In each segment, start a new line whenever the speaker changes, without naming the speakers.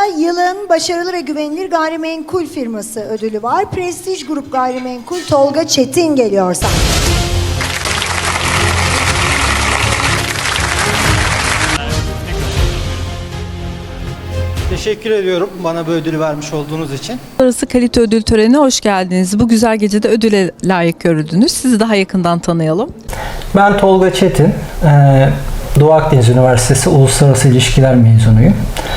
yılın başarılı ve güvenilir gayrimenkul firması ödülü var. Prestij Grup Gayrimenkul Tolga Çetin geliyor sahneye.
Teşekkür ediyorum bana bu ödülü vermiş olduğunuz için.
Uluslararası Kalite Ödül Töreni'ne hoş geldiniz. Bu güzel gecede ödüle layık görüldünüz. Sizi daha yakından tanıyalım.
Ben Tolga Çetin, Doğu Akdeniz Üniversitesi Uluslararası İlişkiler mezunuyum.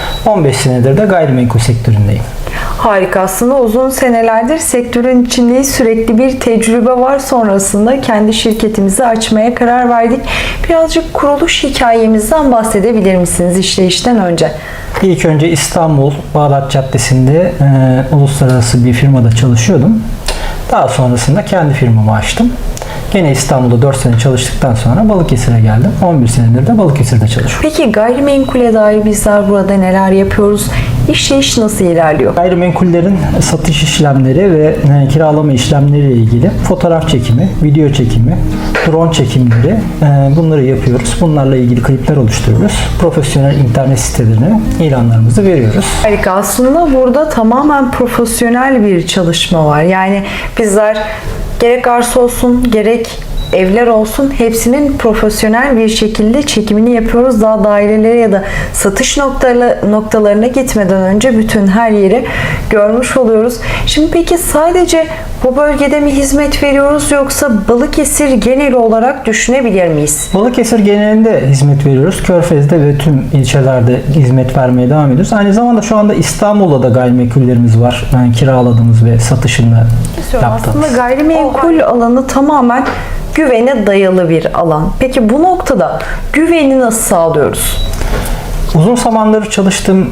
15 senedir de gayrimenkul sektöründeyim.
Harika. Aslında uzun senelerdir sektörün içindeyiz. Sürekli bir tecrübe var. Sonrasında kendi şirketimizi açmaya karar verdik. Birazcık kuruluş hikayemizden bahsedebilir misiniz işleyişten önce?
İlk önce İstanbul Bağdat Caddesi'nde uluslararası bir firmada çalışıyordum. Daha sonrasında kendi firmamı açtım. Gene İstanbul'da 4 sene çalıştıktan sonra Balıkesir'e geldim. 11 senedir de Balıkesir'de çalışıyorum.
Peki gayrimenkule dair bizler burada neler yapıyoruz? İşleyiş nasıl ilerliyor?
Gayrimenkullerin satış işlemleri ve kiralama işlemleriyle ilgili fotoğraf çekimi, video çekimi, drone çekimleri bunları yapıyoruz. Bunlarla ilgili klipler oluşturuyoruz. Profesyonel internet sitelerine ilanlarımızı veriyoruz.
Harika. Aslında burada tamamen profesyonel bir çalışma var. Yani bizler gerek arsa olsun, gerek evler olsun hepsinin profesyonel bir şekilde çekimini yapıyoruz. Daha dairelere ya da satış noktalarına gitmeden önce bütün her yeri görmüş oluyoruz. Şimdi peki sadece bu bölgede mi hizmet veriyoruz yoksa Balıkesir genel olarak düşünebilir miyiz?
Balıkesir genelinde hizmet veriyoruz. Körfez'de ve tüm ilçelerde hizmet vermeye devam ediyoruz. Aynı zamanda şu anda İstanbul'da da gayrimenkullerimiz var. Yani kiraladığımız ve satışını yaptığımız.
Aslında gayrimenkul alanı tamamen güvene dayalı bir alan. Peki bu noktada güveni nasıl sağlıyoruz?
Uzun zamandır çalıştığım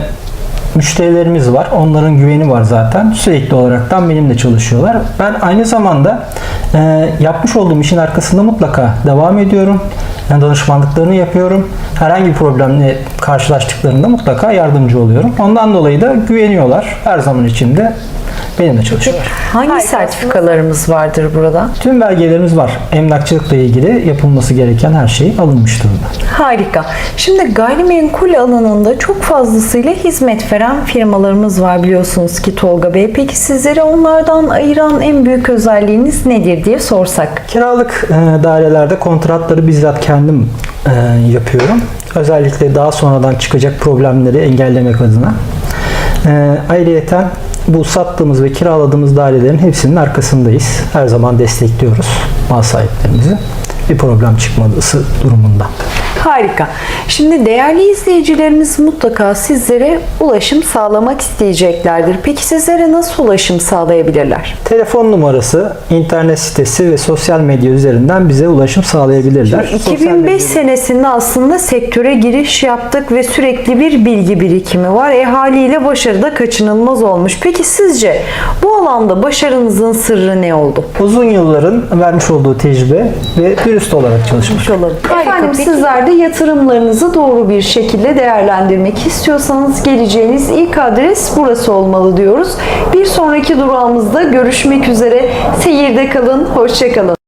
müşterilerimiz var. Onların güveni var zaten. Sürekli olaraktan benimle çalışıyorlar. Ben aynı zamanda yapmış olduğum işin arkasında mutlaka devam ediyorum. Yani danışmanlıklarını yapıyorum. Herhangi bir problemle karşılaştıklarında mutlaka yardımcı oluyorum. Ondan dolayı da güveniyorlar. Her zaman içinde benimle çalışıyorlar.
Hangi sertifikalarımız vardır burada?
Tüm belgelerimiz var. Emlakçılıkla ilgili yapılması gereken her şey alınmış durumda.
Harika. Şimdi gayrimenkul alanında çok fazlasıyla hizmet veren firmalarımız var biliyorsunuz ki Tolga Bey. Peki sizleri onlardan ayıran en büyük özelliğiniz nedir diye sorsak?
Kiralık dairelerde kontratları bizzat kendim yapıyorum. Özellikle daha sonradan çıkacak problemleri engellemek adına. Ayrıyeten bu sattığımız ve kiraladığımız dairelerin hepsinin arkasındayız. Her zaman destekliyoruz mal sahiplerimizi. Bir problem çıkması durumunda.
Harika. Şimdi değerli izleyicilerimiz mutlaka sizlere ulaşım sağlamak isteyeceklerdir. Peki sizlere nasıl ulaşım sağlayabilirler?
Telefon numarası, internet sitesi ve sosyal medya üzerinden bize ulaşım sağlayabilirler.
2005 senesinde aslında sektöre giriş yaptık ve sürekli bir bilgi birikimi var. Haliyle başarı da kaçınılmaz olmuş. Peki sizce bu alanda başarınızın sırrı ne oldu?
Uzun yılların vermiş olduğu tecrübe ve dürüst olarak çalışmak.
Efendim sizler de yatırımlarınızı doğru bir şekilde değerlendirmek istiyorsanız geleceğiniz ilk adres burası olmalı diyoruz. Bir sonraki durağımızda görüşmek üzere. Seyirde kalın, hoşça kalın.